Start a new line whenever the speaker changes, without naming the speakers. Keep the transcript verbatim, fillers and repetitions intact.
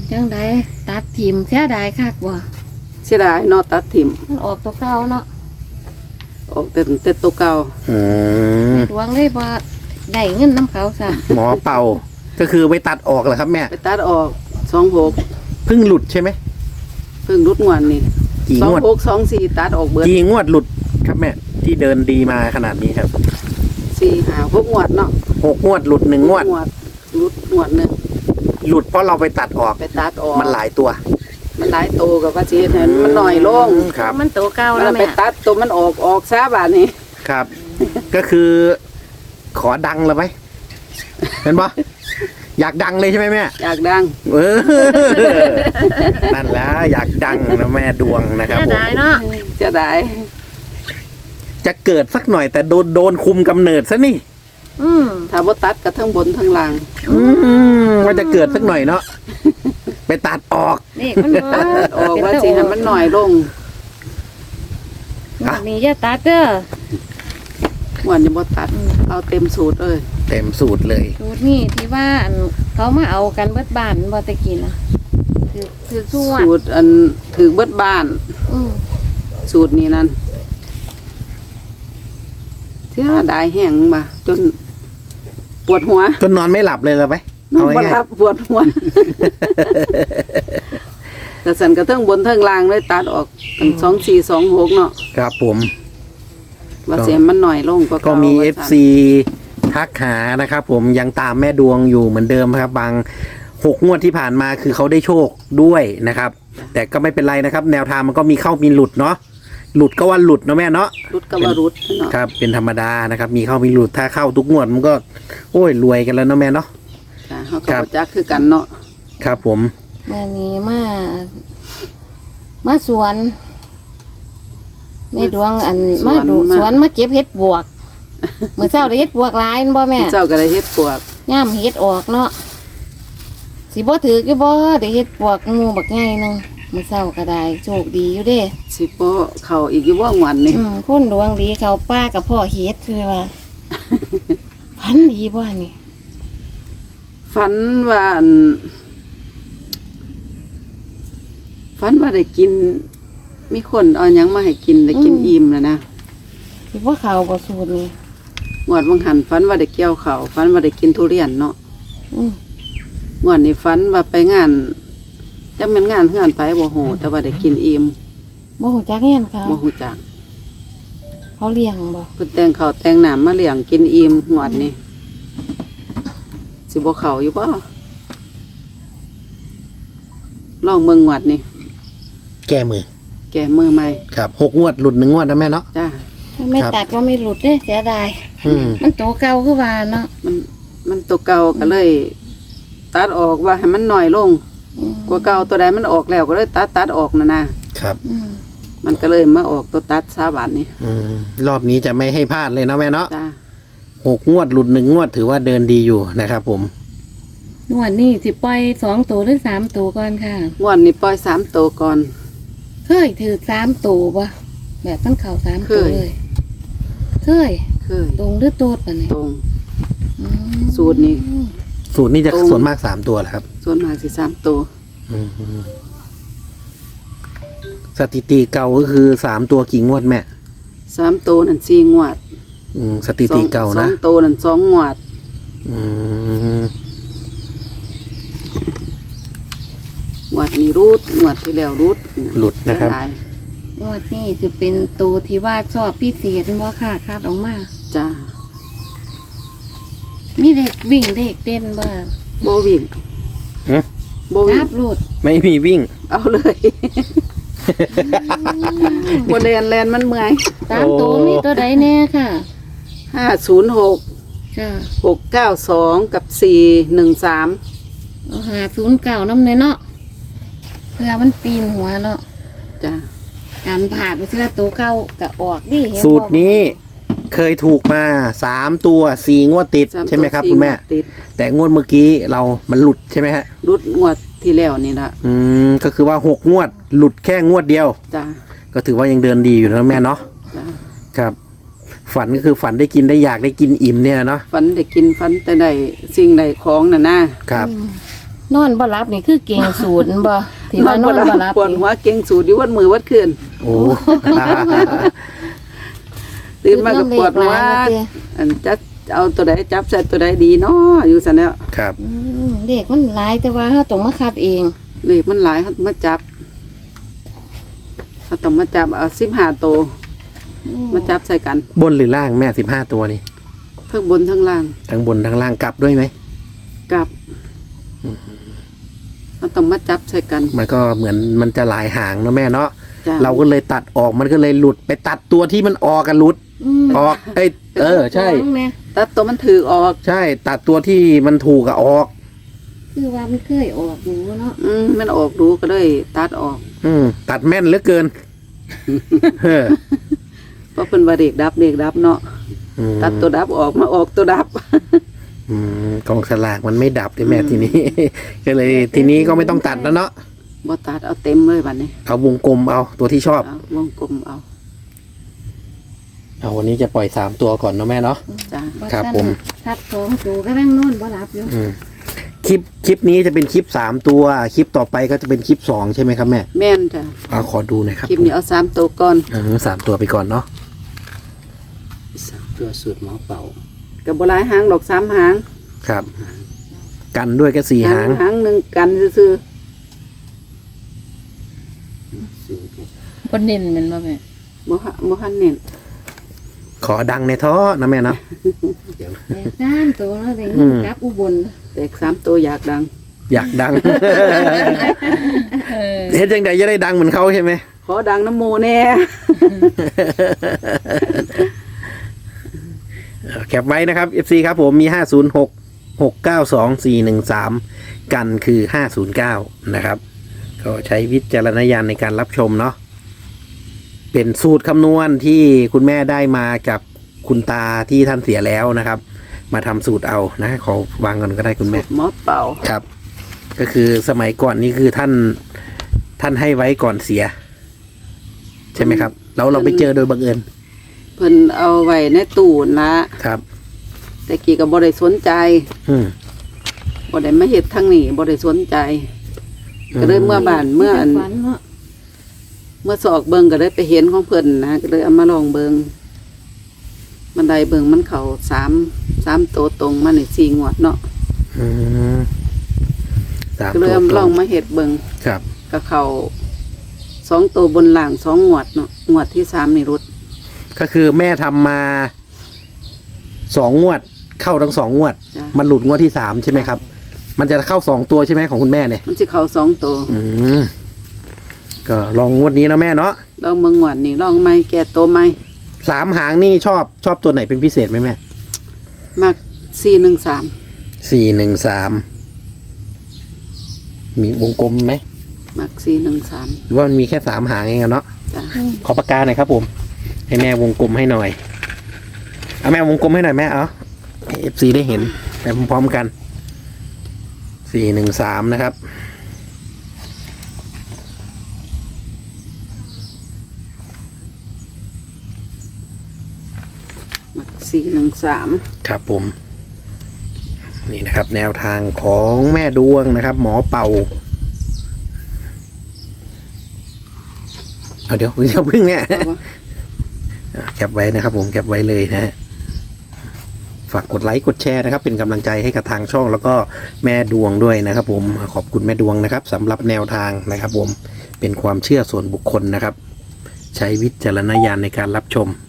จังไดตัดถิ่มเสียดายคักบ่
เสียดายเนาะตัดถิ่ม
มันออกตัวเก่าเนาะ
ออกแต่แต่ตัวเก่า
อืม
หลวงเลยบ่ได้เงินน้ำเขาซะ
หมอเป่าก็คือไปตัดออกเหรอครับแม่
ไปตัดออกสองหก
เพิ่งหลุดใช่ไหม
เพิ่งรุดงวนนี่
กี่
สอง
งวด
หกสองสี่ตัดออกเบิด
กี่งวดหลุดครับแม่ที่เดินดีมาขนาดนี้ครับ
สี่หาหกงวดเนาะ
หกงวดหลุดหนึ่งงวด
งวดรุดงวดหนึ่ง
หลุดเพราะเราไปตัดออก
ไปตัดออก
มันหลายตัว
มันหลายโตกับว่าสิเห็นมันหน่อยลง
ครับ
มันตัวเก่า
มั
แล้ว
นไป
แม่
ตัดตัวมันออกออกซาบาดนี้
ครับ ก็คือขอดังเลยไหมเห็นปะอยากดังเลยใช่ไหมแม่
อยากดัง
เออนั่นแหละอยากดังนะแม่ดวงนะครับ
เสีย
ผม
ดายเนาะ
เสียดาย
จะเกิดสักหน่อยแต่โดนโดนคุมกำเนิดซะนี่
อืม
ถ้าบ่ตัดก็ทั้งบนทั้งล่าง
อืมว่าจะเกิดสักหน่อยเนาะไปตัดออก
นี่มันบ่
ตัดออกว่าสิให้มันหน่อยลง
งวดนี้อย่าตัดเด้อง
วดนี้บ่ตัดเอาเต็มสูตรเลย
เต็มสูตรเลย
สูตรนี่ที่ว่าอันเขามาเอากันเบิดบ้านบ่ตะกี้นะคือคือสู้อ่ะ
สูตรอันถือเบิดบ้าน
อืม
สูตรนี้นั่นเสียดายแห้งมาจนปวดหัว
จนนอนไม่หลับเลยเหรอไหม
นอ
เอา
นบ่
ง่าย
หลับปวดหัว แต่สันกระเทิงบนเทิงล่างเลยตัดออกเป็นสองสี่สองหกเนาะ
ๆครับผม
ว่าเสียมันหน่อยลงก็
ก็มี เอฟ ซี ทักหานะครับผมยังตามแม่ดวงอยู่เหมือนเดิมครับ บางหกงวดที่ผ่านมาคือเขาได้โชคด้วยนะครับ แต่ก็ไม่เป็นไรนะครับ แนวทางมันก็มีเข้ามีหลุดเนาะหลุดก็ว่าหลุดเนาะแม่เนาะ
รุดก็ว่ารุดเนาะ
ครับ เป็นธรรมดานะครับ มีเข้ามีหลุดถ้าเข้าทุกงวดมันก็ โอ้ยรวยกันแล้วเนาะแม่เนาะ
จ้ะเขาก็
ครับ
บ่จักคือกันเนาะ
ครับผม
แม่นี้มามาสวนในดวงอันมาดูสวนมาเก็บเห็ดบวกเมื่อเช้าได้เห็ดบวกหลายแม่นบ่แม่
เจ้าก็ได้เฮ็ดปวก
ย่ามเห็ดออกเนาะสิบ่ถือกี่บ่ได้เห็ดบวกงูบักไงนึงเมื่อเช้าก็ได้โชคดีอยู่เด้
สิบ่เข้าอีกอยู่ว่างวันนี่
อืมคนดวงดีเขาป้ากับพ่อเฮ็ดคือว่า พันดีบ่นี่
ฝันว่าอันฝันว่าได้กิน มีคนเอาหยังมาให้กินได้กินอิ่มแล้วนะ
สิบ่เขาบ่สูตรนี่
งวดบางหันฝันว่าได้เกี่ยวข้าวฝันว่าได้กินทุเรียนเนาะ
อืม
งวดนี้ฝันว่าไปงานจะเป็นงานเฮือนไปบ่ฮู้แต่ว่าได้กินอิ่ม
บ่ฮู้จักเงี้ยนเขา
บ่ฮู้จัก
เขาเลี้ยงบ่
เพิ่นแต่งข้าวแต่งน้ำมาเลี้ยงกินอิ่มงวดนี้สิบ่เข้าอยู่บ่ลองเบิ่งงวดนี้
แก้มือ
แก้มือใหม่
ครับหกงวดหลุดหนึ่งงวดนะแม่เนาะ
จ้า
ถ้าไม่
ครับ
ตัดก็ไม่หลุดเด้เสียดาย
อืม
มันโตเก่าคือว่าเนาะ
มันมันตัวเก่าก็เลย ตัดออกว่าให้มันน้อยลง
อืม
กว่าเก่าตัวใดมันออกแล้วก็เลยตัดตัดออกนะนะครับ
อืม
มันก็เลยมาออกตัวตัดซาบานนี้
อืมรอบนี้จะไม่ให้พลาดเลยเนาะแม่เนาะ
จ้า
หกงวดหลุดหนึ่งงวดถือว่าเดินดีอยู่นะครับผม
งวดนี้สิปล่อยสองตัวหรือสามตัวก่อนค่ะ
งวดนี้ปล่อยสามตัวก่อน
เคยถือสามตัวบ่แบบตั้งเข่าสามตัว
เคย
เลย เคย
เคย
ตรงหรือโตดปะเนี่ย
ตรง
อืม
สูตรนี้
สูตรนี้จะ
ตรง
ส่วนมากสามตัวแหละครับ
ส่วนมากสิสามตัว
อืมสถิติเก่าก็คือสามตัวกี่งวดแม่
สามตัวนั่นสี่งวด
อืมสถิติเก่า
สอ
นะ
งตัวนั่นสองงวด
อืม
งวดนี้รูดงวดที่แล้วรูด
หลุดนะครับ
เสียดาย
งวดนี้จะเป็นตัวที่ว่าชอบพิเศษบ่ค่ะคาดออกมา
จ้า
มีเด็กวิ่งเด็กเต้นบ่
โบวิ่ง
ฮะ
โบวิ่
จั
ง
บหลุด
ไม่มีวิ่ง
เอาเลย โบแลนแลนมันเมื่อย
ตามตัวมีตัวใดแน่ค่ะ
ห้าศูนย์หก
จ้า
หกเก้าสองกับสี่หนึ่งสาม
เอาหาศูนย์เก่าน้ำเลยเนาะเพื่อมันปีนหัวเนาะ
จ้า
การผ่าไปเชื่อตัวเก่าก็ออกดิเห็นบ่
สูตรนี้เคยถูกมาสามตัวสี่งวดติด
สาตัว
ใช่ไหมครับ
สี่
คุณแม่
งวดติด
แต่งวดเมื่อกี้เรามันหลุดใช่ไหมฮะ
รุดงวดที่แล้วนี่ละ
อืมก็คือว่าหกงวด หลุดแค่งวดเดียว
จ้า
ก็ถือว่ายังเดินดีอยู่นะแม่เนาะ
จ้า
ครับ ฝันก็คือฝันได้กินได้อยากได้กินอิ่มเนี่ยเนาะ
ฝันได้กินฝันแต่ได้สิ่งใดของน่ะนะครับ
อืมนอนบ่หลับนี่คือเก่งสูตรบ่ที่ว่านอนบ่หลับ
ปวด
นี่
หัวเก่งสูดอยู่วันมือวัดคืน
โอ้
ตื่นมาก็ปวดหัว
คือเรื่องเลขหลายนะเจ้
อันจะเอาตัวใดจับใส่ตัวใดดีเนาะอยู่ซั่นแล้ว
ครับ
อืมเด็กมันหลายแต่ว่าเราต้องมาคัดเอง
เลขมันหลายเขามาจับเขาต้องมาจับเอาสิบห้าตัวมาจับใส่กัน
บนหรือล่างแม่สิบห้าตัวนี่
ทั้งบนทั้งล่าง
ทั้งบนทั้งล่างกลับด้วยไหม
กลับเขาต้องมาจับใส่กัน
มันก็เหมือนมันจะหลายหางเนอะแม่เนาะ
จ้ะ
เราก็เลยตัดออกมันก็เลยหลุดไปตัดตัวที่มันออกกันหลุด
ม
ออกเอ้ยเออใช่
ของแม่
ตัดตัวมันถือออก
ใช่ ตัดตัวที่มันถูกอะออก
คือว่ามันเคยออกอยู่เนาะ
อืมมันออกดูก็เลยตัดออก
อืมตัดแม่นเหลือเกินเออ
เพราะเป็นว่าเด็กดับเด็กดับเนาะ
อืม
ตัดตัวดับออกมาออกตัวดับ
อืมกองสลากมันไม่ดับเลยแม่ทีนี้ ก็เลยทีนี้ก็ไม่ต้องตัดแล้วเนาะ
บ่ตัดเอาเต็มเลยบัดนี้
เอาวงกลมเอาตัวที่ชอบ
เอาวงกลมเอา
เอาวันนี้จะปล่อยสามตัวก่อนเนอะแม่เนาะ
จ้า
ครับผม
คัดสองตัวก็นั่งนอนบ่หลับอยู่
อืมคลิปคลิปนี้จะเป็นคลิปสามตัว คลิปต่อไปก็จะเป็นคลิปสองใช่ไหมครับแม่
แม่นจ้ะ
เอาขอดูหน่อยครับ
คลิปนี้เอาสามตัวก่อน
เออสามตัวไปก่อนเนาะ
สามตัวสูตรหมอเป่า
กับบหลายหางดอกสามหาง
ครับ กันด้วยก็สี่หาง
หางหนึ่งกันซื่อ
สูตร
บ่เน้นแมันบ่แม่
ๆบ่ฮะบ่ทันเน้น
ขอดังในท้อนะแม่เนาะ
เดี๋ยว
แต่สามตัวแล้วได้
อื
เงิน
ม
กลับอุบล
เด็กสามตัวอยากดัง
อยากดัง
เออ
เฮ็ดจังใดจะได้ดังเหมือนเขาใช่ไหม
ขอดังน้ำโมแน่
แคปไว้นะครับ เอฟ ซี ครับผมมีห้าศูนย์หก หกเก้าสอง สี่หนึ่งสาม กันคือห้าศูนย์เก้านะครับ ก็ใช้วิจารณญาณในการรับชมเนาะเป็นสูตรคำนวณที่คุณแม่ได้มากับคุณตาที่ท่านเสียแล้วนะครับ มาทำสูตรเอานะขอวางก่อนก็ได้คุณแม่
หมอเป่า
ครับ ก็คือสมัยก่อนนี่คือท่านท่านให้ไว้ก่อนเสีย ใช่ไหมครับแล้วเราไปเจอโดยบังเอิญ
เพิ่นเอาไว้ในตู้ละ
ครับ
แต่กี้ก็บ่ได้สนใจ
อืม
บ่ได้มาเฮ็ดทางนี้บ่ได้สนใจ ก็เลยเมื่อบ้านเมื่ออัน
ฝันเนาะ
เมื่อสอกเบิงก็เลยไปเห็นของเพิ่นนะก็เลยเอามาลองเบิงบันไดเบิงมันเขาสามสามตัวตรงมาในสี่งวดเนาะ
อืมสาม
ก็เล
ตั
ยว เอา
ต
ล
ร
อง
ง
มาเห็ดเบิง
ครับ
ก็เขาสองตัวบนล่างสองงวดเนาะงวดที่สามนี่รุด
ก็คือแม่ทำมาสองงวด เข้าทั้งสองงวด
จ้ะ
มันหลุดงวดที่สามใช่ไหมครับ มันจะเข้าสองตัวใช่ไหมของคุณแม่เนี่ย
มันสิเขาสองตัว
อืมก็ลองงวดนี้นะแม่เนาะ
ลองเบิงงวดนี่ลองไม่แก่ตัวไม่
สามหางนี่ชอบชอบตัวไหนเป็นพิเศษไหมแม่
มากสี่หนึ่งสาม
สี่หนึ่งสามมีวงกลมไหม
มากสี่หนึ่งสาม
หรือว่ามันมีแค่สามหางเองอะเนาะ
จ้ะ
ขอปากกาหน่อยครับผม ให้แม่วงกลมให้หน่อยเอาแม่วงกลมให้หน่อยแม่เอาเอฟซีได้เห็นไปพร้อมๆกันสี่หนึ่งสามนะครับ
มากสี่หนึ่งสาม
ครับผม นี่นะครับ แนวทางของแม่ดวงนะครับ หมอเป่าเอาเดี๋ยวเดี๋ยวพึ่งเนี่ย อ่ะแคปไว้นะครับผมแคปไว้เลยนะฮะฝากกดไลค์กดแชร์นะครับ เป็นกำลังใจให้กับทางช่องแล้วก็แม่ดวงด้วยนะครับ ผมขอบคุณแม่ดวงนะครับสำหรับแนวทางนะครับ ผมเป็นความเชื่อส่วนบุคคลนะครับ ใช้วิจารณญาณในการรับชม